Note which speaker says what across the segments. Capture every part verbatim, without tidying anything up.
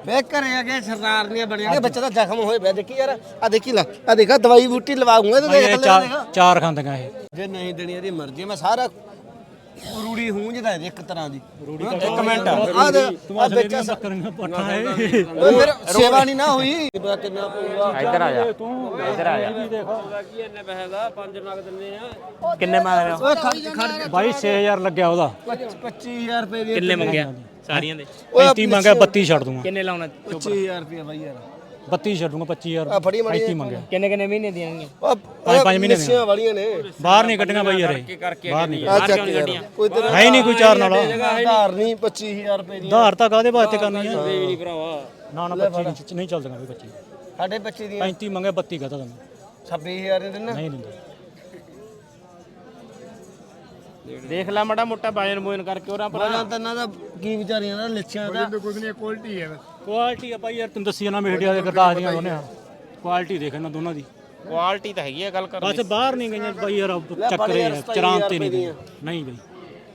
Speaker 1: ਵੇ ਘਰੇ ਆ ਗਏ ਸਰਦਾਰ ਦੀਆਂ ਬਣੀਆਂ ਬੱਚਾ ਤਾਂ ਜ਼ਖਮ ਹੋਏ ਪਿਆ ਦੇਖੀ ਯਾਰ ਆ ਦੇਖੀ ਲੈ ਆ ਦੇਖਾ ਦਵਾਈ ਬੂਟੀ ਲਵਾਉਂਗਾ ਤੇ ਦੇਖ ਲੈ
Speaker 2: ਚਾਰ ਖਾਂਦੀਆਂ ਇਹ
Speaker 1: ਜੇ ਨਹੀਂ ਦੇਣੀ ਇਹਦੀ ਮਰਜ਼ੀ ਮੈਂ ਸਾਰਾ ਰੂੜੀ ਹੂੰਝਦਾ ਇੱਕ ਤਰ੍ਹਾਂ ਦੀ
Speaker 2: ਇੱਕ ਮਿੰਟ
Speaker 1: ਆ ਦੇ ਆ ਬੱਚਾ
Speaker 2: ਬੱਕਰੀਆਂ ਪੱਠਾ ਹੈ
Speaker 1: ਓਏ ਫਿਰ ਸੇਵਾ ਨਹੀਂ ਨਾ ਹੋਈ ਕਿੰਨਾ ਪਊਗਾ
Speaker 3: ਇੱਧਰ ਆ ਜਾ ਇੱਧਰ ਆ ਜਾ
Speaker 4: ਕੀ ਇੰਨੇ ਪੈਸੇ ਦਾ ਪੰਜ ਨਗ ਦਿੰਦੇ ਆ
Speaker 3: ਕਿੰਨੇ ਮੰਗ ਰਹੇ ਹੋ
Speaker 1: ਓਏ ਖਰਚ ਖਰਚ
Speaker 2: ਬਾਈ ਛੇ ਹਜ਼ਾਰ ਲੱਗਿਆ ਉਹਦਾ
Speaker 1: ਪੱਚੀ ਹਜ਼ਾਰ ਰੁਪਏ ਦੀ
Speaker 3: ਕਿੰਨੇ ਮੰਗਿਆ ਸਾਰੀਆਂ ਦੇ
Speaker 2: ਪੈਂਤੀ ਮੰਗਿਆ ਬੱਤੀ ਛੱਡ ਦੂੰਗਾ
Speaker 3: ਕਿੰਨੇ ਲਾਉਣਾ
Speaker 1: ਪੱਚੀ ਹਜ਼ਾਰ ਰੁਪਏ ਬਾਈ ਯਾਰ
Speaker 2: ਬੱਤੀ ਛੱਡੂੰਗਾ ਪੱਚੀ
Speaker 1: ਆ
Speaker 2: ਹਜ਼ਾਰ
Speaker 1: ਫੜੀ ਮੜੀ
Speaker 2: ਪੈਂਤੀ ਮੰਗਿਆ
Speaker 3: ਕਿੰਨੇ ਕਿੰਨੇ ਮਹੀਨੇ ਦੀਆਂ
Speaker 2: ਪੰਜ ਪੰਜ ਮਹੀਨੇ ਦੀਆਂ
Speaker 1: ਦੀਆਂ ਵਾਲੀਆਂ ਨੇ
Speaker 2: ਬਾਹਰ ਨਹੀਂ ਕੱਢੀਆਂ ਬਾਈ ਯਾਰ ਇਹ
Speaker 4: ਕਰਕੇ
Speaker 2: ਬਾਹਰ ਨਹੀਂ
Speaker 1: ਆ ਚੱਕ ਯਾਰ ਕੋਈ ਤੇਰਾ
Speaker 2: ਹੈ ਹੀ ਨਹੀਂ ਕੋਈ ਚਾਰ ਨਾਲ
Speaker 1: ਆਧਾਰ ਨਹੀਂ ਪੱਚੀ ਹਜ਼ਾਰ ਰੁਪਏ ਦੀ
Speaker 2: ਆਧਾਰ ਤਾਂ ਕਾਹਦੇ ਵਾਸਤੇ ਕਰਨੀ ਆ
Speaker 4: ਨਹੀਂ ਭਰਾਵਾ
Speaker 2: ਨਾ ਨਾ ਪੱਚੀ ਨਹੀਂ ਚੱਲਦੀਆਂ ਵੀ ਪੱਚੀ
Speaker 1: ਸਾਡੇ ਪੱਚੀ ਦੀਆਂ
Speaker 2: ਪੈਂਤੀ ਮੰਗਿਆ ਬੱਤੀ ਕਹਤਾ ਤੁਹਾਨੂੰ
Speaker 1: ਛੱਬੀ ਹਜ਼ਾਰ ਦੇ ਦਿੰਨਾ
Speaker 2: ਨਹੀਂ ਦਿੰਦਾ
Speaker 3: ਦੇਖ ਲੈ ਮਾੜਾ ਮੋਟਾ ਬਾਜਨ ਬੋਜਨ ਕਰਕੇ ਉਹਨਾਂ ਪਰ
Speaker 1: ਬਣਾ ਤਾਂ ਇਹਨਾਂ ਦਾ ਕੀ ਵਿਚਾਰੀਆਂ ਦਾ ਲੱਛਿਆਂ ਦਾ
Speaker 2: ਕੁਆਲਿਟੀ ਆ ਬਾਈ ਯਾਰ ਤੈਨੂੰ ਦੱਸੀ ਨਾ ਮੀਡੀਆ ਦੇ ਗਰਦਾਸ ਦੀਆਂ ਦੋਨੇ ਕੁਆਲਿਟੀ ਦੇਖ ਇਹਨਾਂ ਦੋਨਾਂ ਦੀ
Speaker 3: ਕੁਆਲਿਟੀ ਤਾਂ ਹੈਗੀ ਆ ਗੱਲ ਕਰ
Speaker 2: ਬਸ ਬਾਹਰ ਨਹੀਂ ਗਈਆਂ ਬਾਈ ਯਾਰ ਚੱਕਰੇ ਆ ਚਰਾਂ ਤੇ ਨਹੀਂ ਗਈਆਂ ਨਹੀਂ ਬਈ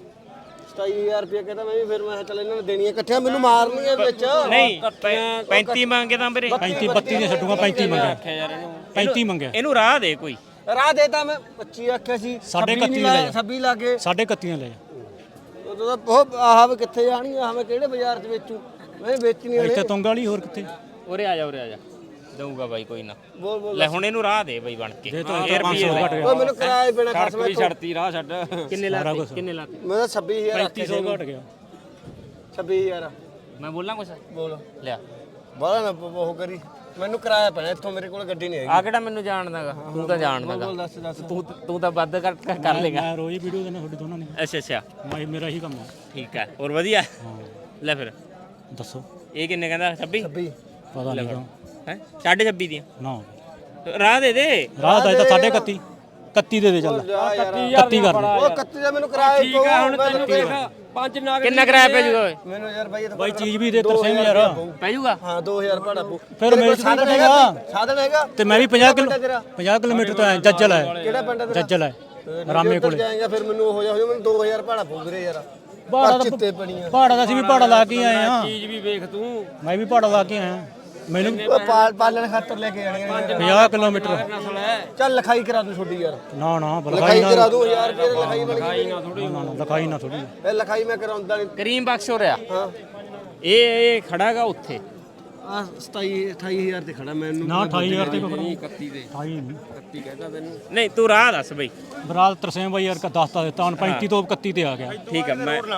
Speaker 1: ਸਤਾਈ ਹਜ਼ਾਰ ਰੁਪਏ ਕਹਿੰਦਾ ਮੈਂ ਵੀ ਫਿਰ ਮੈਂ ਕਿਹਾ ਚੱਲ ਇਹਨਾਂ ਨੇ ਦੇਣੀਆਂ ਇਕੱਠੀਆਂ ਮੈਨੂੰ ਮਾਰਨੀਆਂ ਵਿੱਚ
Speaker 3: ਨਹੀਂ ਪੈਂਤੀ ਮੰਗੇ ਤਾਂ ਵੀਰੇ
Speaker 2: ਪੈਂਤੀ ਬੱਤੀ ਦੀਆਂ ਛੱਡੂਗਾ ਪੈਂਤੀ ਮੰਗਿਆ ਪੈਂਤੀ ਮੰਗਿਆ
Speaker 3: ਇਹਨੂੰ ਰਾਹ ਦੇ ਕੋਈ
Speaker 1: ਰਾਹ ਦੇਤਾ ਮੈਂ ਪੱਚੀ ਆਖਿਆ ਸੀ
Speaker 2: ਸਾਢੇ
Speaker 1: ਛੱਬੀ
Speaker 2: ਇਕੱਤੀ
Speaker 1: ਨਹੀਂ
Speaker 2: ਲੈ
Speaker 1: ਲਾਇਆ,
Speaker 2: ਜਾ।
Speaker 1: ਛੱਬੀ ਲੱਗੇ
Speaker 2: ਸਾਢੇ ਇਕੱਤੀ ਲੈ ਜਾ
Speaker 1: ਉਦੋਂ ਤਾਂ ਉਹ ਆਹ ਵੀ ਕਿੱਥੇ ਜਾਣੀ ਆਹ ਮੈਂ ਕਿਹੜੇ ਬਾਜ਼ਾਰ 'ਚ ਵੇਚੂ ਮੈਂ ਵੇਚਣੀ
Speaker 2: ਇੱਥੇ
Speaker 1: ਵਾਲੇ
Speaker 2: ਤੁੰਗ ਵਾਲੀ ਹੋਰ ਕਿੱਥੇ
Speaker 3: ਉਰੇ ਆ ਜਾ ਉਰੇ ਆ ਜਾ ਦਊਗਾ ਬਾਈ ਕੋਈ ਨਾ
Speaker 1: ਬੋਲ ਬੋਲ
Speaker 3: ਲੈ ਹੁਣ ਇਹਨੂੰ ਰਾਹ ਦੇ ਬਾਈ ਬਣ ਕੇ
Speaker 2: ਦੇ ਤਾਂ ਪੰਜ ਸੌ ਘਟ ਗਿਆ
Speaker 1: ਓਏ ਮੈਨੂੰ ਕਿਰਾਇਆ ਪੈਣਾ ਖਰਚ ਮੈਂ
Speaker 4: ਛੱਡਤੀ ਰਾਹ ਛੱਡ
Speaker 3: ਕਿੰਨੇ ਲਾਤੇ ਕਿੰਨੇ ਲਾਤੇ
Speaker 1: ਮੈਂ ਤਾਂ ਛੱਬੀ ਹਜ਼ਾਰ
Speaker 2: ਪੈਂਤੀ ਸੌ ਘਟ ਗਿਆ
Speaker 1: ਛੱਬੀ ਹਜ਼ਾਰ
Speaker 3: ਮੈਂ ਬੋਲਾਂ ਕੁਛ
Speaker 1: ਬੋਲ
Speaker 3: ਲਿਆ
Speaker 1: ਬਾਹਲਾ ਨਾ ਉਹ ਕਰੀ ਮੈਨੂੰ ਕਿਰਾਇਆ ਪੈਣਾ ਇੱਥੋਂ ਮੇਰੇ ਕੋਲ ਗੱਡੀ ਨਹੀਂ ਹੈਗੀ
Speaker 3: ਆ ਕਿਹੜਾ ਮੈਨੂੰ ਜਾਣਦਾਗਾ ਤੂੰ ਤਾਂ ਜਾਣਦਾਗਾ
Speaker 1: ਬੋਲ ਦੱਸ ਦੱਸ
Speaker 3: ਤੂੰ ਤੂੰ ਤਾਂ ਵੱਧ ਕਰ ਕਰ ਲੇਗਾ
Speaker 2: ਮੈਂ ਰੋਜ਼ ਵੀਡੀਓ ਦੇਣਾ ਤੁਹਾਡੀ ਦੋਨਾਂ ਨੇ
Speaker 3: ਅੱਛਾ ਅੱਛਾ
Speaker 2: ਮੈਂ ਮੇਰਾ ਹੀ ਕੰਮ ਆ
Speaker 3: ਠੀਕ ਹੈ ਹੋਰ ਵਧੀਆ ਲੈ ਫਿਰ
Speaker 2: ਦੱਸੋ
Speaker 3: ਇਹ ਕਿੰਨੇ ਕਹਿੰਦਾ ਛੱਬੀ
Speaker 1: ਛੱਬੀ
Speaker 2: ਪਤਾ ਨਹੀਂ ਤਾਂ
Speaker 3: ਹੈ ਸਾਢੇ ਛੱਬੀ ਦੀਆਂ
Speaker 2: ਨਾ
Speaker 3: ਰਾਹ ਦੇ ਦੇ
Speaker 2: ਰਾਹ ਦਾ ਇਹ ਤਾਂ ਸਾਢੇ ਇਕੱਤੀ ਇਕੱਤੀ ਦੇ ਦੇ ਚੱਲ ਇਕੱਤੀ ਕਰ ਦੇ
Speaker 1: ਉਹ ਕੱਤੀ ਦਾ ਮੈਨੂੰ ਕਿਰਾਇਆ ਠੀਕ ਆ ਹੁਣ ਤੈਨੂੰ ਦੇਖ
Speaker 4: ਪੰਜ ਨਗ
Speaker 3: ਕਿੰਨਾ ਕਿਰਾਇਆ ਪੈ ਜੂਗਾ ਓਏ
Speaker 1: ਮੈਨੂੰ ਯਾਰ ਬਾਈ ਇਹ ਤਾਂ
Speaker 2: ਬਾਈ ਚੀਜ਼ ਵੀ ਦੇ ਤਰਸੇ ਯਾਰ
Speaker 3: ਪੈ ਜੂਗਾ
Speaker 1: ਹਾਂ ਦੋ ਹਜ਼ਾਰ ਭਾੜਾ ਪਊ
Speaker 2: ਫਿਰ ਮੇਰੇ ਤੋਂ
Speaker 1: ਸਾਧਨ
Speaker 2: ਘਟੇਗਾ।
Speaker 1: ਹੈਗਾ ਸਾਧਨ ਹੈਗਾ
Speaker 2: ਤੇ ਮੈਂ ਵੀ ਪੰਜਾਹ ਕਿਲੋ
Speaker 1: ਤੇਰਾ?
Speaker 2: ਪੰਜਾਹ ਕਿਲੋਮੀਟਰ ਤੋਂ ਆਇਆ ਜੱਜਲ ਹੈ
Speaker 1: ਕਿਹੜਾ ਪਿੰਡ ਹੈ ਤੇਰਾ
Speaker 2: ਜੱਜਲ ਹੈ ਰਾਮੇ ਕੋਲੇ
Speaker 1: ਜਾਏਗਾ ਫਿਰ ਮੈਨੂੰ ਹੋ ਜਾ ਹੋ ਜਾ ਮੈਨੂੰ ਦੋ ਹਜ਼ਾਰ ਭਾੜਾ ਪਊ ਵੀਰੇ ਯਾਰ
Speaker 2: ਭਾੜਾ
Speaker 1: ਪਰ ਚਿੱਤੇ ਪਣੀਆਂ
Speaker 2: ਭਾੜਾ ਦਾ ਅਸੀਂ ਵੀ ਭਾੜਾ ਲਾ ਕੇ ਆਏ ਆ
Speaker 4: ਚੀਜ਼ ਵੀ ਵੇਖ ਤੂੰ
Speaker 2: ਮੈਂ ਵੀ ਭਾੜਾ ਲਾ ਕੇ ਆਇਆ ਮੈਨੂੰ
Speaker 1: ਉਹ ਪਾਲ ਪਾਲਣ ਖਾਤਰ ਲੈ ਕੇ ਜਾਣੀਆਂ ਯਾਰ।
Speaker 2: ਪੰਜਾਹ ਕਿਲੋਮੀਟਰ
Speaker 4: ਨਸਲ ਹੈ
Speaker 1: ਚੱਲ ਲਿਖਾਈ ਕਰਾ ਦੂੰ ਛੋਡੀ ਯਾਰ
Speaker 2: ਨਾ ਨਾ
Speaker 1: ਲਿਖਾਈ
Speaker 2: ਲਿਖਾਈ ਨਾ
Speaker 1: ਕਰਾ ਦੂੰ ਹਜ਼ਾਰ ਰੁਪਏ ਦੀ ਲਿਖਾਈ ਬਣ ਗਈ
Speaker 4: ਨਾ ਥੋੜੀ
Speaker 2: ਨਾ ਨਾ ਲਿਖਾਈ ਨਾ ਥੋੜੀ
Speaker 1: ਇਹ ਲਿਖਾਈ ਮੈਂ ਕਰਾਉਂਦਾ ਨਹੀਂ
Speaker 3: ਕਰੀਮ ਬਖਸ਼ ਹੋ ਰਿਹਾ
Speaker 1: ਹਾਂ
Speaker 3: ਇਹ ਇਹ ਖੜਾਗਾ ਉੱਥੇ
Speaker 1: ਆ ਸਤਾਈ ਅਠਾਈ ਹਜ਼ਾਰ ਤੇ ਖੜਾ ਮੈਨੂੰ
Speaker 2: ਨਾ ਅਠਾਈ ਹਜ਼ਾਰ ਤੇ ਕੋਈ
Speaker 4: ਇਕੱਤੀ ਦੇ
Speaker 2: ਅਠਾਈ ਨਹੀਂ
Speaker 4: ਇਕੱਤੀ ਕਹਿੰਦਾ ਤੈਨੂੰ
Speaker 3: ਨਹੀਂ ਤੂੰ ਰਾਹ ਦੱਸ ਬਈ
Speaker 2: ਬਰਾਲ ਤਰਸੇਮ ਬਾਈ ਯਾਰ ਕਾ ਦਸਤਾ ਦਿੱਤਾ ਹੁਣ ਪੈਂਤੀ ਤੋਂ ਇਕੱਤੀ ਤੇ ਆ ਗਿਆ
Speaker 3: ਠੀਕ ਹੈ ਮੈਂ
Speaker 2: ਇਸ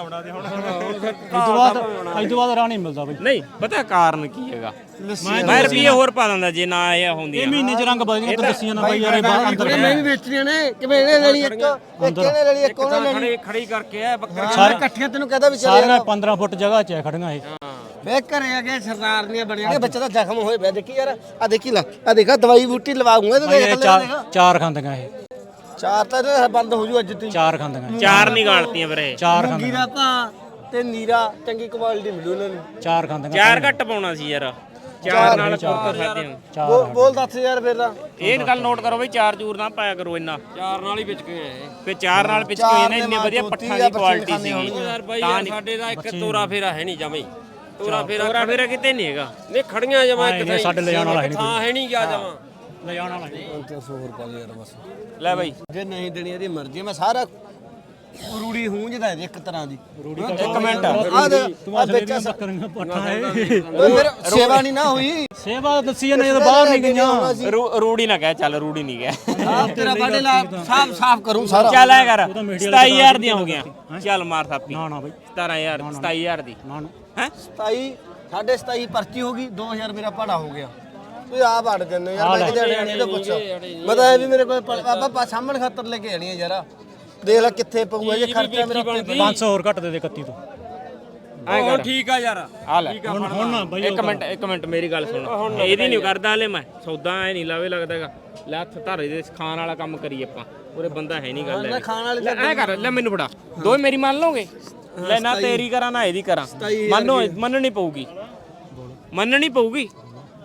Speaker 2: ਤੋਂ ਬਾਅਦ ਇਸ ਤੋਂ ਬਾਅਦ ਰਾਹ ਨਹੀਂ ਮਿਲਦਾ ਬਾਈ
Speaker 3: ਨਹੀਂ ਪਤਾ ਕਾਰਨ ਕੀ ਹੈਗਾ ਮੈਂ ਰੁਪਏ ਹੋਰ ਪਾ ਦਿੰਦਾ ਜੇ ਨਾ ਇਹ ਹੁੰਦੀਆਂ
Speaker 2: ਇਹ ਮਹੀਨੇ ਚ ਰੰਗ ਬਦਲ ਜਾਂਦਾ ਦੱਸੀਆਂ ਨਾ ਬਾਈ ਯਾਰ ਇਹ ਬਾਹਰ ਅੰਦਰ
Speaker 1: ਮੈਂ ਵੀ ਵੇਚਣੀਆਂ ਨੇ ਕਿਵੇਂ ਇਹਨੇ ਲੈਣੀ ਇੱਕ ਇੱਕ ਇਹਨੇ ਲੈਣੀ ਇੱਕ ਉਹਨੇ ਲੈਣੀ
Speaker 4: ਖੜੀ ਖੜੀ ਕਰਕੇ ਆ ਬੱਕਰੀ
Speaker 1: ਸਾਰੇ ਇਕੱਠੀਆਂ ਤੈਨੂੰ ਕਹਦਾ ਵੀ ਚੱਲ
Speaker 2: ਸਾਰੀਆਂ ਪੰਦਰਾਂ ਫੁੱਟ ਜਗ੍ਹਾ 'ਚ ਹੈ ਖੜੀਆਂ ਇਹ
Speaker 1: ਵੇ ਘਰੇ ਆ ਗਏ ਸਰਦਾਰ ਦੀਆਂ ਬਣੀਆਂ ਬੱਚਾ ਤਾਂ ਜ਼ਖਮ ਹੋਏ ਪਿਆ ਦੇਖੀ ਯਾਰ ਆ ਦੇਖੀ ਲੈ ਆ ਦੇਖਾ ਦਵਾਈ ਬੂਟੀ ਲਵਾਉਂਗਾ ਤੇ ਦੇਖ
Speaker 2: ਇਹ
Speaker 1: ਲੈ
Speaker 2: ਚਾਰ ਚਾਰ ਖਾਂਦੀਆਂ ਇਹ
Speaker 1: ਚਾਰ ਤਾਂ ਇਹਦੇ ਬੰਦ ਹੋ ਜੂ ਅੱਜ ਤੀ
Speaker 2: ਚਾਰ ਖਾਂਦੀਆਂ
Speaker 3: ਚਾਰ ਨਹੀਂ ਗਾਲਤੀਆਂ ਵੀਰੇ
Speaker 2: ਚਾਰ
Speaker 1: ਮੁੰਗੀ ਦਾ ਭਾ ਤੇ ਨੀਰਾ ਚੰਗੀ ਕੁਆਲਿਟੀ ਮਿਲੂ ਉਹਨਾਂ ਨੂੰ
Speaker 2: ਚਾਰ ਖਾਂਦੀਆਂ
Speaker 3: ਚਾਰ ਘੱਟ ਪਾਉਣਾ ਸੀ ਯਾਰ ਚਾਰ ਨਾਲ ਕੁਰਤਾ ਖਾਦੇ
Speaker 1: ਬੋਲ
Speaker 2: ਚਾਰ
Speaker 1: ਬੋਲ ਦੱਸ ਯਾਰ ਫਿਰ ਦਾ
Speaker 3: ਇਹ ਗੱਲ ਨੋਟ ਕਰੋ ਬਈ ਚਾਰ ਚੂਰ ਨਾ ਪਾਇਆ ਕਰੋ ਇੰਨਾ
Speaker 4: ਚਾਰ ਨਾਲ ਹੀ ਵਿਚ ਗਏ ਇਹ
Speaker 3: ਫੇ ਚਾਰ ਨਾਲ ਪਿੱਛੇ ਹੋਏ ਨੇ ਇੰਨੇ ਵਧੀਆ ਪੱਠਾਂ ਦੀ ਕੁਆਲਿਟੀ ਸੀ
Speaker 4: ਯਾਰ ਬਾਈ ਯਾਰ ਸਾਡੇ ਦਾ ਇੱਕ ਤੋਰਾ ਫੇਰਾ ਹੈ ਨਹੀਂ ਜਮਈ ਤੋਰਾ ਫੇਰਾ
Speaker 3: ਤੋਰਾ ਫੇਰਾ ਕਿਤੇ ਨਹੀਂ ਹੈਗਾ
Speaker 4: ਨਹੀਂ ਖੜੀਆਂ ਜਮਾ ਇੱਕ
Speaker 2: ਇਹ ਸਾਡੇ ਲੈ ਜਾਣ ਵਾਲਾ ਹੈ
Speaker 4: ਇੱਕ
Speaker 2: ਨਹੀਂ
Speaker 4: ਥਾਂ ਹੈ ਨਹੀਂ ਗਿਆ ਜਮਾ
Speaker 2: ਲੈ ਜਾਣ ਵਾਲਾ ਨਹੀਂ
Speaker 1: ਸੌ ਰੁਪਏ ਯਾਰ ਬਸ
Speaker 3: ਲੈ ਬਾਈ
Speaker 1: ਜੇ ਨਹੀਂ ਦੇਣੀ ਇਹਦੀ ਮਰਜ਼ੀ ਮੈਂ ਸਾਰਾ ਰੂੜੀ ਹੂੰਝਦਾ ਇੱਕ ਤਰ੍ਹਾਂ ਦੀ
Speaker 3: ਇੱਕ ਮਿੰਟ
Speaker 1: ਆ ਦੇ ਆ ਬੱਚਾ
Speaker 2: ਬੱਕਰੀਆਂ ਪੱਠਾ ਹੈ
Speaker 1: ਓਏ ਫਿਰ ਸੇਵਾ ਨਹੀਂ ਨਾ ਹੋਈ
Speaker 2: ਸੇਵਾ ਦੱਸੀ ਜਾਂਦੇ ਜਦੋਂ ਬਾਹਰ ਨਹੀਂ ਗਈਆਂ
Speaker 3: ਰੂ- ਰੂੜੀ ਨਾ ਕਹਿ ਚੱਲ ਰੂੜੀ ਨਹੀਂ ਕਹਿ
Speaker 1: ਆ ਤੇਰਾ ਬਾਡੇ ਲਾ ਸਾਫ ਸਾਫ ਕਰੂੰ ਸਾਰਾ
Speaker 3: ਚੱਲ ਐ ਕਰ ਸਤਾਈ ਹਜ਼ਾਰ ਦੀਆਂ ਹੋ ਗਈਆਂ ਚੱਲ ਮਾਰ ਥਾਪੀ
Speaker 2: ਨਾ ਨਾ ਬਾਈ
Speaker 3: ਸਤਾਰਾਂ ਹਜ਼ਾਰ ਸਤਾਈ ਹਜ਼ਾਰ ਦੀ
Speaker 2: ਨਾ ਨਾ
Speaker 3: ਹੈ
Speaker 1: ਸਤਾਈ ਸਾਢੇ ਸਤਾਈ ਪਰਚੀ ਹੋ ਗਈ ਦੋ ਹਜ਼ਾਰ ਮੇਰਾ ਭਾੜਾ ਹੋ ਗਿਆ ਤੂੰ ਆਪ ਅੜ ਜੰਨੇ ਯਾਰ ਮੈਂ ਕਿਤੇ ਅੜਿਆ ਨਹੀਂ ਤਾਂ ਪੁੱਛ ਮੈਂ ਤਾਂ ਇਹ ਵੀ ਮੇਰੇ ਕੋਲ ਬਾਬਾ ਸਾਹਮਣ ਖਾਤਰ ਲੈ ਕੇ ਆਣੀ ਹੈ ਯਾਰ ਦੇਖ ਲੈ ਕਿੱਥੇ ਪਊਗਾ ਜੇ ਖਰਚਾ ਮੇਰਾ
Speaker 2: ਪੰਜ ਸੌ ਹੋਰ ਘੱਟ ਦੇ ਦੇ ਇਕੱਤੀ ਤੋਂ
Speaker 3: ਐ ਕਰ
Speaker 4: ਠੀਕ ਆ ਯਾਰ
Speaker 3: ਆ ਲੈ
Speaker 2: ਹੁਣ ਹੁਣ ਨਾ ਬਾਈ
Speaker 3: ਇੱਕ ਮਿੰਟ ਇੱਕ ਮਿੰਟ ਮੇਰੀ ਗੱਲ ਸੁਣ ਇਹਦੀ ਨਹੀਂ ਕਰਦਾ ਹਲੇ ਮੈਂ ਸੌਦਾ ਐ ਨਹੀਂ ਲਾਵੇ ਲੱਗਦਾਗਾ ਲੈ ਹੱਥ ਧਾਰੇ ਦੇ ਖਾਣ ਵਾਲਾ ਕੰਮ ਕਰੀ ਆਪਾਂ ਉਰੇ ਬੰਦਾ ਹੈ ਨਹੀਂ ਗੱਲ
Speaker 1: ਮੈਂ ਖਾਣ ਵਾਲੇ
Speaker 3: ਲੈ ਐ ਕਰ ਲੈ ਮੈਨੂੰ ਫੜਾ ਦੋਵੇਂ ਮੇਰੀ ਮੰਨ ਲਓਗੇ ਲੈ ਨਾ ਤੇਰੀ ਕਰਾਂ ਨਾ ਇਹਦੀ ਕਰਾਂ ਮੰਨੋ ਮੰਨਣੀ ਪਊਗੀ ਮੰਨਣੀ ਪਊਗੀ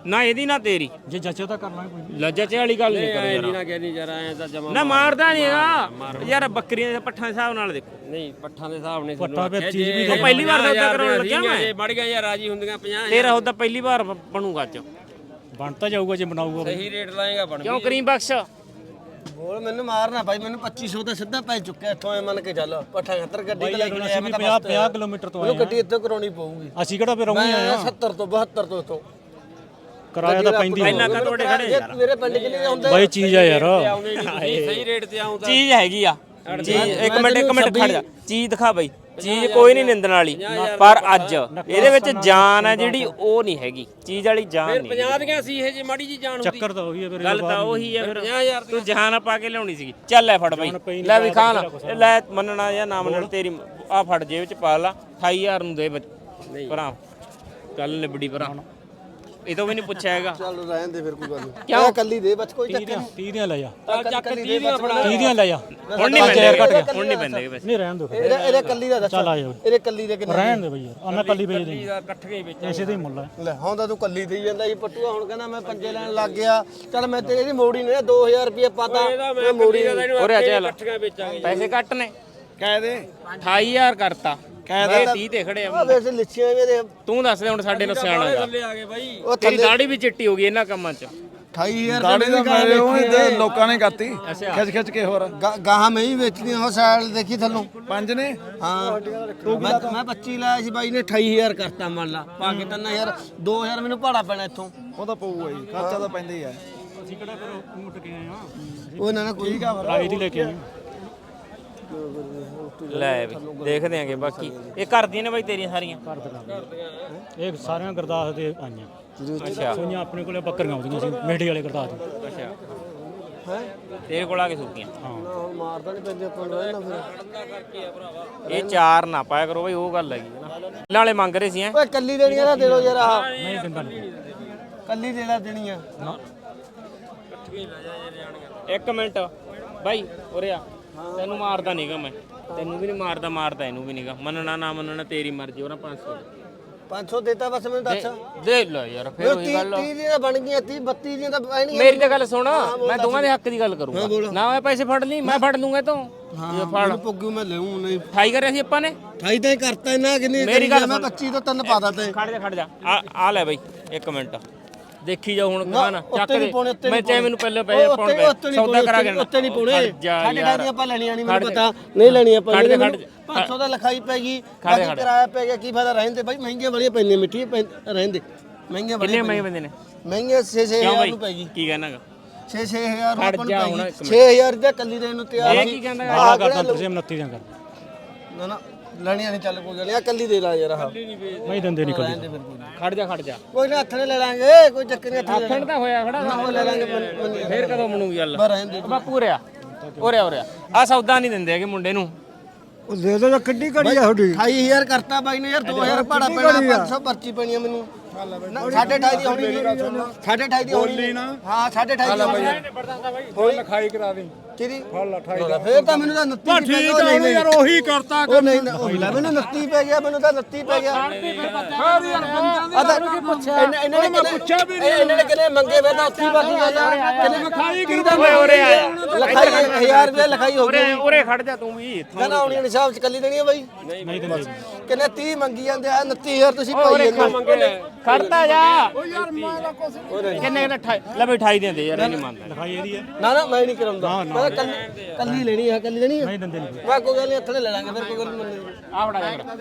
Speaker 3: ਨਾ ਇਹਦੀ ਨਾ ਤੇਰੀ
Speaker 2: ਜੇ ਜੱਚੇ ਤਾਂ ਕਰ ਲਾਂਗੇ ਕੋਈ ਨਹੀਂ।
Speaker 3: ਲੱਜੇ ਵਾਲੀ ਗੱਲ ਨਹੀਂ ਕਰੋ
Speaker 4: ਨਹੀਂ
Speaker 3: ਯਾਰ
Speaker 4: ਨਾ ਕਹਿੰਦੀ ਯਾਰ ਐ ਤਾਂ ਜਮਾ
Speaker 3: ਨਾ ਮਾਰਦਾ ਨਹੀਂ ਹੈਗਾ ਯਾਰ ਬੱਕਰੀਆਂ ਦੇ ਪੱਠਾਂ ਦੇ ਹਿਸਾਬ ਨਾਲ ਦੇਖੋ
Speaker 4: ਨਹੀਂ ਪੱਠਾਂ ਦੇ ਹਿਸਾਬ ਨਹੀਂ
Speaker 2: ਪੱਠਾਂ ਫਿਰ ਚੀਜ਼ ਵੀ
Speaker 3: ਉਹ ਪਹਿਲੀ ਵਾਰ ਸੌਦਾ ਕਰਾਉਣ ਲੱਗਿਆ ਮੈਂ
Speaker 4: ਜੇ ਮੜ ਗਿਆ ਯਾਰ ਰਾਜੀ ਹੁੰਦੀਆਂ ਪੰਜਾਹ
Speaker 3: ਤੇਰਾ ਉਹਦਾ ਪਹਿਲੀ ਵਾਰ ਬ- ਬਣੂਗਾ ਅੱਜ
Speaker 2: ਬਣ ਤਾਂ ਜਾਊਗਾ ਜੇ ਬਣਾਊਗਾ ਬਈ।
Speaker 4: ਸਹੀ ਰੇਟ ਲਾਏਗਾ ਬਣ
Speaker 3: ਕਿਉਂ ਕਰੀਮ ਬਖਸ਼
Speaker 1: ਬੋਲ ਮੈਨੂੰ ਮਾਰਨਾ ਭਾਈ ਮੈਨੂੰ ਪੱਚੀ ਸੌ ਤਾਂ ਸਿੱਧਾ ਪੈ ਚੁੱਕਿਆ ਇੱਥੋਂ ਐ ਮੰਨ ਕੇ ਚੱਲ ਪੱਠਾ ਖੱਤਰ ਗੱਡੀ ਤੇ ਲੈ ਕੇ
Speaker 2: ਅਸੀਂ
Speaker 1: ਆਇਆ
Speaker 2: ਵੀ
Speaker 1: ਮੈਂ ਤਾਂ
Speaker 2: ਪੰਜਾਹ
Speaker 1: ਬਸ
Speaker 2: ਪੰਜਾਹ ਕਿਲੋਮੀਟਰ ਤੋਂ ਆਏ
Speaker 1: ਮੈਨੂੰ ਗੱਡੀ ਇੱਥੇ ਕਰਾਉਣੀ ਪਊਗੀ
Speaker 2: ਅਸੀਂ ਕਿਹੜਾ ਫਿਰ
Speaker 1: ਮੈਂ
Speaker 2: ਆਉਂਦੇ
Speaker 1: ਆਇਆ
Speaker 2: ਆ
Speaker 1: ਸੱਤਰ ਤੋਂ ਬਹੱਤਰ ਤੋਂ ਇੱਥੋਂ
Speaker 2: ਕਿਰਾਇਆ ਤਾਂ ਪੈਂਦੀ ਹੈ
Speaker 3: ਇੰਨਾ ਕਾ ਤੁਹਾਡੇ ਖੜੇ
Speaker 1: ਜੇ ਮੇਰੇ ਪਿੰਡ ਕਿੰਨੇ ਦੇ ਹੁੰਦੇ
Speaker 2: ਬਾਈ ਚੀਜ਼ ਆ ਯਾਰ
Speaker 4: ਸਹੀ ਰੇਟ ਤੇ ਆਉਂ ਤਾਂ
Speaker 3: ਚੀਜ਼ ਹੈਗੀ ਆ ਚੀਜ਼ ਇੱਕ ਮਿੰਟ ਇੱਕ ਮਿੰਟ ਖੜ ਜਾ ਚੀਜ਼ ਦਿਖਾ ਬਈ ਚੀਜ਼ ਕੋਈ ਨਹੀਂ ਨਿੰਦਣ ਵਾਲੀ ਪਰ ਅੱਜ ਇਹਦੇ ਵਿੱਚ ਜਾਨ ਹੈ ਜਿਹੜੀ ਉਹ ਨਹੀਂ ਹੈਗੀ ਚੀਜ਼ ਵਾਲੀ ਜਾਨ ਨਹੀਂ
Speaker 4: ਪੰਜਾਹ ਦੀਆਂ ਸੀ ਇਹ ਜੇ ਮਾੜੀ ਜੀ ਜਾਣ ਹੁੰਦੀ
Speaker 2: ਚੱਕਰ ਤਾਂ ਉਹੀ ਹੈ ਫਿਰ
Speaker 3: ਗੱਲ ਤਾਂ ਉਹੀ ਹੈ ਫਿਰ
Speaker 4: ਪੰਜਾਹ ਹਜ਼ਾਰ
Speaker 3: ਤੂੰ ਜਾਨ ਪਾ ਕੇ ਲਿਆਉਣੀ ਸੀਗੀ ਚੱਲ ਲੈ ਫੜ ਬਈ ਲੈ ਵੀ ਖਾਨ ਲੈ ਮੰਨਣਾ ਜਾਂ ਨਾ ਮੰਨਣਾ ਤੇਰੀ ਆ ਫੜ ਜੇਬ ਚ ਪਾ ਲਾ ਅਠਾਈ ਹਜ਼ਾਰ ਨੂੰ ਦੇ ਬੱਚ- ਭਰਾ ਗੱਲ ਨਿਬੜੀ ਭਰਾ ਇਹ ਤੋਂ ਵੀ ਨਹੀਂ ਪੁੱਛਿਆ ਹੈਗਾ
Speaker 1: ਚੱਲ ਰਹਿਣ ਦੇ ਫਿਰ ਕੋਈ ਗੱਲ ਨਹੀਂ ਕਿਉਂ ਕੱਲੀ ਦੇ ਬਸ ਕੋਈ ਚੱਕਰ ਨਹੀਂ
Speaker 2: ਤੀਹ ਦੀਆਂ ਲੈ ਜਾ
Speaker 1: ਚੱਕ ਤੀਹ ਦੀਆਂ ਫੜਾ
Speaker 2: ਤੀਹ ਦੀਆਂ ਲੈ ਜਾ
Speaker 3: ਹੁਣ ਨਹੀਂ ਪੈਂਦੇ ਹੁਣ ਨਹੀਂ ਪੈਂਦੇ ਵੈਸੇ
Speaker 2: ਨਹੀਂ ਰਹਿਣ ਦੋ ਫਿਰ
Speaker 1: ਇਹਦੇ ਇਹਦੇ ਕੱਲੀ ਦਾ ਦੱਸ
Speaker 2: ਚੱਲ ਆ ਜਾ
Speaker 1: ਇਹਦੇ ਕੱਲੀ ਦੇ ਕਿੰਨੇ
Speaker 2: ਰਹਿਣ ਦੇ ਬਈ ਯਾਰ ਆ ਮੈਂ ਕੱਲੀ ਵੇਚ ਦੇ
Speaker 4: ਇਕੱਠੇ ਵਿੱਚ
Speaker 2: ਐਸੇ ਦਾ ਹੀ ਮੁੱਲ ਹੈ
Speaker 1: ਲੈ ਹੁਣ ਤਾਂ ਤੂੰ ਕੱਲੀ ਦੇਈ ਜਾਂਦਾ ਸੀ ਪੱਟੂਆ ਹੁਣ ਕਹਿੰਦਾ ਮੈਂ ਪੰਜੇ ਲੈਣ ਲੱਗ ਗਿਆ ਚੱਲ ਮੈਂ ਤੇਰੀ ਮੋੜੀ ਨੇ ਦੋ ਹਜ਼ਾਰ ਰੁਪਏ ਪਾਤਾ ਮੈਂ ਮੋੜੀ
Speaker 3: ਉਰੇ ਆ ਚੱਲ
Speaker 4: ਇਕੱਠੀਆਂ ਵੇਚਾਂਗੇ
Speaker 3: ਪੈਸੇ ਕੱਟ ਨੇ
Speaker 1: ਕਹਿ ਦੇ
Speaker 3: ਅਠਾਈ ਹਜ਼ਾਰ ਕਰਤਾ
Speaker 1: ਕਹਿ
Speaker 3: ਇਹ ਤੀਹ ਤੇ ਖੜੇ ਆ
Speaker 1: ਆ ਵੈਸੇ ਲਿੱਛੀਆਂ ਇਹਦੇ
Speaker 3: ਤੂੰ ਦੱਸ ਦੇ ਹੁਣ ਸਾਡੇ ਨੂੰ ਸਿਆਣਾ ਗਾ
Speaker 4: ਥੱਲੇ ਆ ਗਏ ਬਾਈ
Speaker 1: ਉਹ
Speaker 3: ਤੇਰੀ ਦਾੜੀ ਵੀ ਚਿੱਟੀ ਹੋ ਗਈ ਇਹਨਾਂ ਕੰਮਾਂ 'ਚ
Speaker 1: ਅਠਾਈ ਹਜ਼ਾਰ ਦਾੜੀ ਦਾ ਮੇਰੇ ਉਹ ਤੇ
Speaker 5: ਲੋਕਾਂ ਨੇ ਕਰਤੀ ਖਿੱਚ ਖਿੱਚ ਕੇ ਹੋਰ
Speaker 1: ਗਾਹਾਂ ਮੈਂ ਹੀ ਵੇਚਣੀ ਉਹ ਸਾਈਡ ਦੇਖੀ ਥੱਲੋਂ
Speaker 5: ਪੰਜ ਨੇ
Speaker 1: ਹਾਂ ਮੈਂ ਮੈਂ ਪੱਚੀ ਲਾਇਆ ਸੀ ਬਾਈ ਨੇ ਅਠਾਈ ਹਜ਼ਾਰ ਕਰਤਾ ਮੰਨ ਲਾ ਪਾ ਕੇ ਤਿੰਨ ਹਜ਼ਾਰ ਦੋ ਹਜ਼ਾਰ ਮੈਨੂੰ ਭਾੜਾ ਪੈਣਾ ਇੱਥੋਂ
Speaker 5: ਉਹ ਤਾਂ ਪਊਗਾ ਜੀ ਖਰਚਾ ਤਾਂ ਪੈਂਦਾ ਹੀ ਆ
Speaker 2: ਅਸੀਂ ਕਿਹੜਾ ਫਿਰ ਮੁੱਟ ਕੇ ਆਏ ਆ
Speaker 1: ਉਹ ਨਾ ਨਾ ਕੋਈ
Speaker 2: ਰਾਈ ਦੀ ਲੈ ਕੇ ਆਏ
Speaker 3: ਲੈ ਵੀ ਦੇਖਦੇ ਆਂਗੇ ਬਾਕੀ ਇਹ ਕਰਦੀਆਂ ਨੇ ਬਾਈ ਤੇਰੀਆਂ ਸਾਰੀਆਂ
Speaker 2: ਘਰ ਦਾ ਇਹ ਸਾਰੀਆਂ ਗੁਰਦਾਸ ਦੇ ਆਈਆਂ
Speaker 3: ਅੱਛਾ
Speaker 2: ਸੋਈਆਂ ਆਪਣੇ ਕੋਲੇ ਬੱਕਰੀਆਂ ਆਉਂਦੀਆਂ ਸੀ ਮੇਢੀ ਵਾਲੇ ਗੁਰਦਾਸ ਦੇ
Speaker 3: ਅੱਛਾ ਤੇਰੇ ਕੋਲ ਆ ਕੇ ਸੁੱਕੀਆਂ
Speaker 2: ਹਾਂ
Speaker 1: ਹੁਣ ਮਾਰਦਾ ਨਹੀਂ ਪੈਂਦੇ ਆਪਾਂ ਨੂੰ ਨਾ ਫਿਰ
Speaker 3: ਇਹ ਚਾਰ ਨਾ ਪਾਇਆ ਕਰੋ ਬਈ ਉਹ ਗੱਲ ਹੈਗੀ ਨਾ ਨਾਲੇ ਮੰਗ ਰਹੇ ਸੀ ਐ
Speaker 1: ਓਏ ਕੱਲੀ ਦੇਣੀ ਆ ਨਾ ਦੇ ਦੋ ਯਾਰ ਆਹ
Speaker 2: ਨਹੀਂ ਦਿੰਦਾ ਨਹੀਂ
Speaker 1: ਕੱਲੀ ਦੇ ਲੈ ਦੇਣੀ ਆ
Speaker 2: ਨਾ
Speaker 3: ਇੱਕ ਮਿੰਟ ਬਾਈ ਉਰੇ ਆ ਤੈਨੂੰ ਮਾਰਦਾ ਨਹੀਂਗਾ ਮੈਂ ਤੈਨੂੰ ਵੀ ਨਹੀਂ ਮਾਰਦਾ ਮਾਰਦਾ ਇਹਨੂੰ ਵੀ ਨਹੀਂਗਾ ਮੰਨਣਾ ਨਾ ਮੰਨਣਾ ਤੇਰੀ ਮਰਜ਼ੀ ਉਹਨਾਂ ਪੰਜ ਸੌ
Speaker 1: ਪੰਜ ਸੌ ਦੇਤਾ ਬਸ ਮੈਨੂੰ ਦੱਸ
Speaker 3: ਦੇ ਲੈ ਯਾਰ ਫਿਰ ਉਹੀ ਗੱਲ
Speaker 1: ਤੀਹ ਦੀਆਂ ਬਣ ਗਈਆਂ ਤੀਹ ਬੱਤੀ ਦੀਆਂ ਤਾਂ ਐ ਨਹੀਂ
Speaker 3: ਮੇਰੀ ਤਾਂ ਗੱਲ ਸੁਣ ਮੈਂ ਦੋਵਾਂ ਦੇ ਹੱਕ ਦੀ ਗੱਲ ਕਰੂੰਗਾ ਨਾ ਮੈਂ ਪੈਸੇ ਫੜ ਲਈ ਮੈਂ ਫੜ ਲੂੰਗਾ ਤੂੰ
Speaker 1: ਹਾਂ ਫੜ ਪੁੱਗੂ ਮੈਂ ਲੈਉਂ ਨਹੀਂ
Speaker 3: ਠਾਈ ਕਰਿਆ ਸੀ ਆਪਾਂ ਨੇ
Speaker 1: ਅਠਾਈ ਤਾਂ ਹੀ ਕਰਤਾ ਇਹਨਾਂ ਕਿੰਨੀ
Speaker 3: ਮੇਰੀ ਗੱਲ
Speaker 1: ਮੈਂ
Speaker 3: ਸੁਣ।
Speaker 1: ਪੱਚੀ ਤੋਂ ਤਿੰਨ ਪਾ ਦਿੱਤੇ
Speaker 3: ਖੜ ਜਾ ਖੜ ਜਾ ਆ ਆ ਲੈ ਬਾਈ ਇੱਕ ਮਿੰਟ ਦੇਖੀ ਜਾ ਹੁਣ ਕਾਨ ਚੱਕ
Speaker 1: ਉੱਤੇ
Speaker 3: ਦੇ
Speaker 1: ਨਹੀਂ ਪਾਉਣੇ ਉੱਤੇ
Speaker 3: ਮੈਂ
Speaker 1: ਨਹੀਂ
Speaker 3: ਚਾਹੇ ਮੈਨੂੰ ਪਹਿਲੇ ਪੈਸੇ ਪਾਉਣ ਪਏ ਸੌਦਾ ਕਰਾ ਕੇ
Speaker 1: ਉੱਤੇ ਨਹੀਂ ਪਾਉਣੇ
Speaker 3: ਜਾ
Speaker 1: ਸਾਡੇ
Speaker 3: ਯਾਰ
Speaker 1: ਡਾਡੀਆਂ ਆਪਾਂ ਲੈਣੀਆਂ ਨਹੀਂ ਮੈਨੂੰ ਪਤਾ ਨਹੀਂ ਲੈਣੀਆਂ ਆਪਾਂ
Speaker 3: ਖੜ ਜਾ, ਖੜ ਜਾ।
Speaker 1: ਪੰਜ ਸੌ ਦਾ ਲਿਖਾਈ ਪੈ ਗਈ
Speaker 3: ਖੜ ਜਾ,
Speaker 1: ਬਾਕੀ
Speaker 3: ਖੜ ਜਾ।
Speaker 1: ਕਿਰਾਇਆ ਪੈ ਗਿਆ ਕੀ ਫਾਇਦਾ ਰਹਿੰਦੇ ਬਾਈ ਮਹਿੰਗੀਆਂ ਬੜੀਆਂ ਪੈਂਦੀਆਂ ਮਿੱਠੀ ਰਹਿੰਦੇ ਮਹਿੰਗੀਆਂ
Speaker 3: ਕਿੰਨੇ
Speaker 1: ਬੜੀਆਂ
Speaker 3: ਮਹਿੰਗੇ ਬੰਦੇ ਨੇ
Speaker 1: ਮਹਿੰਗੀਆਂ ਛੇ ਛੇ
Speaker 3: ਕਿਉਂ
Speaker 1: ਹਜ਼ਾਰ
Speaker 3: ਬਾਈ
Speaker 1: ਨੂੰ ਪੈ ਗਈ
Speaker 3: ਕੀ ਕਹਿਣਾਗਾ
Speaker 1: ਛੇ ਛੇ ਹਜ਼ਾਰ ਨੂੰ
Speaker 3: ਖੜ
Speaker 1: ਆਪਾਂ ਨੂੰ
Speaker 3: ਜਾ
Speaker 1: ਪੈ
Speaker 3: ਹੁਣ
Speaker 1: ਗਈ
Speaker 3: ਇੱਕ
Speaker 1: ਛੇ ਹਜ਼ਾਰ ਦਾ ਕੱਲੀ ਦੇਣ ਨੂੰ ਤਿਆਰ
Speaker 3: ਇਹ
Speaker 1: ਸੀ
Speaker 3: ਕੀ ਕਹਿੰਦਾ
Speaker 2: ਆਹ ਕਰਦਾ ਤੁਸੀਂ ਉਨੱਤੀ ਦੀਆਂ ਕਰ
Speaker 1: ਨਾ ਨਾ ਲੈਣੀਆਂ ਨਹੀਂ ਚੱਲ ਕੋਈ ਗੱਲ ਨਹੀਂ ਆ ਕੱਲੀ ਦੇ ਲਾ ਯਾਰ ਆਹ
Speaker 2: ਨਹੀਂ ਦਿੰਦੇ ਨਹੀਂ ਕੱਲੀ
Speaker 3: ਖੜ ਜਾ ਖੜ ਜਾ
Speaker 1: ਕੋਈ ਨਾ ਹੱਥ ਨੇ ਲੈ ਲਾਂਗੇ ਕੋਈ ਚੱਕਰ ਨਹੀਂ ਹੱਥ
Speaker 3: ਖੜ ਤਾਂ ਹੋਇਆ ਖੜਾ
Speaker 1: ਉਹ ਲੈ ਲਾਂਗੇ ਮੰਨੀ
Speaker 3: ਫੇਰ ਕਦੋਂ ਬਣੂਗੀ ਗੱਲ
Speaker 1: ਬਸ ਰਹਿਣ ਦੇ
Speaker 3: ਬਾਪੂ ਉਰਿਆ ਉਰਿਆ ਉਰਿਆ ਆ ਸੌਦਾ ਨਹੀਂ ਦਿੰਦੇ ਹੈਗੇ ਮੁੰਡੇ ਨੂੰ
Speaker 1: ਉਹ ਦੇ ਦੋ ਕਿੱਡੀ ਘੜੀ ਆ ਤੁਹਾਡੀ ਅਠਾਈ ਹਜ਼ਾਰ ਕਰਤਾ ਬਾਈ ਨੇ ਯਾਰ ਦੋ ਹਜ਼ਾਰ ਭਾੜਾ ਪੈਣਾ ਪੰਜ ਸੌ ਪਰਚੀ ਪੈਣੀ ਆ ਮੈਨੂੰ ਨਾ, ਸਾਢੇ ਅਠਾਈ ਦੀ ਹੋਣੀ ਨਹੀਂ ਸਾਢੇ ਅਠਾਈ ਦੀ ਹੋਣੀ ਨਹੀਂ ਹਾਂ ਸਾਢੇ ਅਠਾਈ ਦੀ ਹੋਣੀ ਹੋਈ
Speaker 5: ਲਿਖਾਈ ਕਰਾ ਦੇ
Speaker 1: ਕਿਹਦੀ ਫੇਰ ਤਾਂ ਮੈਨੂੰ ਤਾਂ ਨੱਤੀ ਪੈ ਗਿਆ ਉਹ ਨਹੀਂ ਯਾਰ
Speaker 5: ਉਹੀ ਕਰਤਾ
Speaker 1: ਉਹ ਨਹੀਂ ਨਾ, ਉਹ ਲੈ ਮੈਨੂੰ ਨੱਤੀ ਪੈ ਗਿਆ ਮੈਨੂੰ ਤਾਂ ਨੱਤੀ ਪੈ ਗਿਆ ਇਹਨਾਂ ਨੇ ਪੁੱਛਿਆ ਵੀ ਨਹੀਂ ਇਹਨਾਂ ਨੇ ਕਿਨੇ ਮੰਗੇ ਵੇ ਤਾਂ ਉੱਥੀ ਬਾਕੀ ਗੱਲ ਆ ਕਿਨੇ ਲਿਖਾਈ ਕਿਹਦਾ
Speaker 3: ਓਏ ਉਰੇ ਆ ਜਾ।
Speaker 1: ਲਿਖਾਈ ਹਜ਼ਾਰ ਰੁਪਏ ਲਿਖਾਈ ਹੋ ਗਈ
Speaker 3: ਉਰੇ ਉਰੇ ਖੜ ਜਾ ਤੂੰ ਵੀ
Speaker 1: ਕਹਿੰਦਾ ਆਉਣੀ ਨਿਸ਼ਾਬ ਚ ਕੱਲੀ ਦੇਣੀ ਆ ਬਾਈ
Speaker 2: ਨਹੀਂ ਦਿੰਦੇ
Speaker 1: ਕਿੰਨੇ ਤੀਹ ਮੰਗੀ ਜਾਂਦੇ ਆ ਉਨੱਤੀ ਹਜ਼ਾਰ ਤੁਸੀਂ ਪਾਈ ਜਾਂਦੇ
Speaker 3: ਖੜਤਾ ਜਾ ਓ ਯਾਰ ਮੈਂ ਤਾਂ ਕੁਛ ਕਿੰਨੇ ਕਿੰਨੇ ਅਠਾਈ ਲੈ ਬਈ ਅਠਾਈ ਦਿੰਦੇ ਯਾਰ ਇਹ ਨਹੀਂ ਮੰਨਦਾ
Speaker 2: ਲਿਖਾਈ ਇਹਦੀ ਹੈ
Speaker 1: ਨਾ ਨਾ ਮੈਂ ਨਹੀਂ ਕਰਾਉਂਦਾ ਮੈਂ ਕੱਲੀ ਕੱਲੀ ਲੈਣੀ ਆ ਕੱਲੀ ਲੈਣੀ ਆ
Speaker 2: ਨਹੀਂ ਦਿੰਦੇ ਨਹੀਂ
Speaker 1: ਮੈਂ ਕੋਈ ਗੱਲ ਨਹੀਂ ਹੱਥ ਲੈ ਲਾਂਗੇ ਫਿਰ ਕੋਈ ਗੱਲ ਨਹੀਂ
Speaker 3: ਆ ਬੜਾ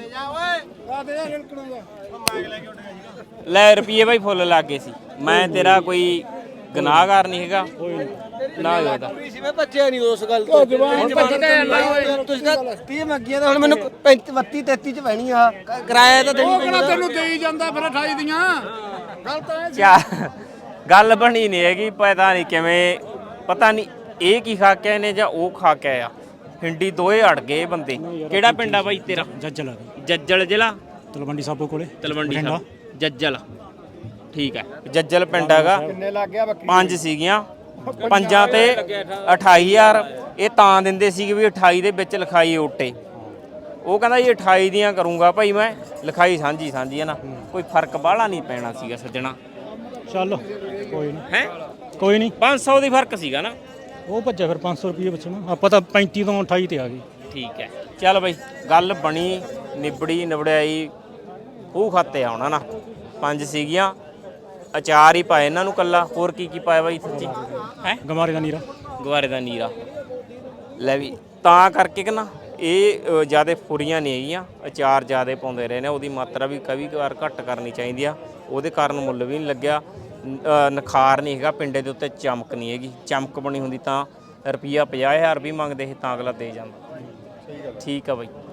Speaker 3: ਲੈ ਰੁਪਏ ਬਾਈ ਫੁੱਲ ਲੱਗ ਗਏ ਸੀ ਮੈਂ ਤੇਰਾ ਕੋਈ ਗੁਨਾਹਗਾਰ ਨਹੀਂ ਹੈਗਾ ਨਾ ਹੀ ਉਹਦਾ
Speaker 1: ਸੀ ਮੈਂ ਬੱਚਿਆ ਨਹੀਂ ਉਸ ਗੱਲ ਤੋਂ
Speaker 3: ਹੁਣ ਭੱਜੀ ਤਾਂ ਜਾਂਦਾ ਓਏ
Speaker 1: ਤੁਸੀਂ ਤਾਂ ਤੀਹ ਮੰਗੀਆਂ ਤਾਂ ਹੁਣ ਮੈਨੂੰ ਪੈਂਤੀ ਬੱਤੀ ਤੇਤੀ ਚ ਪੈਣੀ ਆ ਕ- ਕਿਰਾਇਆ ਤਾਂ ਦੇਣੀ ਪੈਣਾ
Speaker 5: ਤੈਨੂੰ ਦੇਈ ਜਾਂਦਾ ਫਿਰ ਅਠਾਈ ਦੀਆਂ ਗੱਲ ਤਾਂ
Speaker 3: ਕਿਆ ਗੱਲ ਬਣੀ ਨਹੀਂ ਹੈਗੀ ਪਤਾ ਨਹੀਂ ਕਿਵੇਂ ਪਤਾ ਨਹੀਂ ਇਹ ਕੀ ਖਾ ਕੇ ਆਏ ਨੇ ਜਾਂ ਉਹ ਖਾ ਕੇ ਆਇਆ ਹਿੰਡੀ ਦੋਏ ਅੜ ਗਏ ਇਹ ਬੰਦੇ ਕਿਹੜਾ ਪਿੰਡ ਆ ਬਾਈ ਤੇਰਾ
Speaker 2: ਜੱਜਲ ਆ
Speaker 3: ਜੱਜਲ ਜ਼ਿਲ੍ਹਾ
Speaker 2: ਤਲਵੰਡੀ ਸਾਬੋ ਕੋਲੇ
Speaker 3: ਤਲਵੰਡੀ ਸਾਹਿਬ ਜੱਜਲ ਠੀਕ ਹੈ ਜੱਜਲ ਪਿੰਡ ਹੈਗਾ
Speaker 5: ਕਿੰਨੇ ਲੱਗ ਗਿਆ ਬੱਕਰੀ
Speaker 3: ਪੰਜ ਸੀਗੀਆਂ ਪੰਜਾਂ ਤੇ ਅਠਾਈ ਹਜ਼ਾਰ ਇਹ ਤਾਂ ਦਿੰਦੇ ਸੀਗੇ ਵੀ ਅਠਾਈ ਦੇ ਵਿੱਚ ਲਿਖਾਈ ਓਟੇ ਉਹ ਕਹਿੰਦਾ ਜੀ ਅਠਾਈ ਦੀਆਂ ਕਰੂੰਗਾ ਭਾਈ ਮੈਂ ਲਿਖਾਈ ਸਾਂਝੀ ਸਾਂਝੀ ਹੈ ਨਾ ਕੋਈ ਫਰਕ ਬਾਹਲਾ ਨਹੀਂ ਪੈਣਾ ਸੀਗਾ ਸੱਜਣਾ
Speaker 2: ਚੱਲ ਕੋਈ ਨਹੀਂ
Speaker 3: ਹੈ
Speaker 2: ਕੋਈ ਨਹੀਂ
Speaker 3: ਪੰਜ ਸੌ ਦੀ ਫਰਕ ਸੀਗਾ ਨਾ
Speaker 2: ਉਹ ਭੱਜਿਆ ਫਿਰ ਪੰਜ ਸੌ ਰੁਪਏ ਬਚਣਾ ਆਪਾਂ ਤਾਂ ਪੈਂਤੀ ਤੋਂ ਅਠਾਈ ਤੇ ਆ ਗਏ
Speaker 3: ਠੀਕ ਹੈ ਚੱਲ ਬਈ ਗੱਲ ਬਣੀ ਨਿਬੜੀ ਨਿਬੜਾਈ ਖੂਹ ਖਾਤੇ ਆਉਣਾ ਨਾ ਪੰਜ ਸੀਗੀਆਂ ਅਚਾਰ ਹੀ ਪਾਏ ਇਹਨਾਂ ਨੂੰ ਕੱਲਾ ਹੋਰ ਕੀ ਕੀ ਪਾਇਆ ਬਾਈ ਸੱਚੀ ਹੈ
Speaker 2: ਗਮਾਰੇ ਦਾ ਨੀਰਾ
Speaker 3: ਗਵਾਰੇ ਦਾ ਨੀਰਾ ਲੈ ਵੀ ਤਾਂ ਕਰਕੇ ਕਿ ਨਾ ਇਹ ਜਿਆਦਾ ਫੁਰੀਆਂ ਨਹੀਂ ਹੈਗੀਆਂ ਅਚਾਰ ਜਿਆਦਾ ਪਾਉਂਦੇ ਰਹੇ ਨੇ ਉਹਦੀ ਮਾਤਰਾ ਵੀ ਕਈ ਵਾਰ ਘੱਟ ਕਰਨੀ ਚਾਹੀਦੀ ਆ ਉਹਦੇ ਕਾਰਨ ਮੁੱਲ ਵੀ ਨਹੀਂ ਲੱਗਿਆ ਨਖਾਰ ਨਹੀਂ ਹੈਗਾ ਪਿੰਡੇ ਦੇ ਉੱਤੇ ਚਮਕ ਨਹੀਂ ਹੈਗੀ ਚਮਕ ਬਣੀ ਹੁੰਦੀ ਤਾਂ ਰੁਪਈਆ ਪੰਜਾਹ ਹਜ਼ਾਰ ਵੀ ਮੰਗਦੇ ਸੀ ਤਾਂ ਅਗਲਾ ਦੇ ਜਾਂਦਾ ਠੀਕ ਆ ਬਾਈ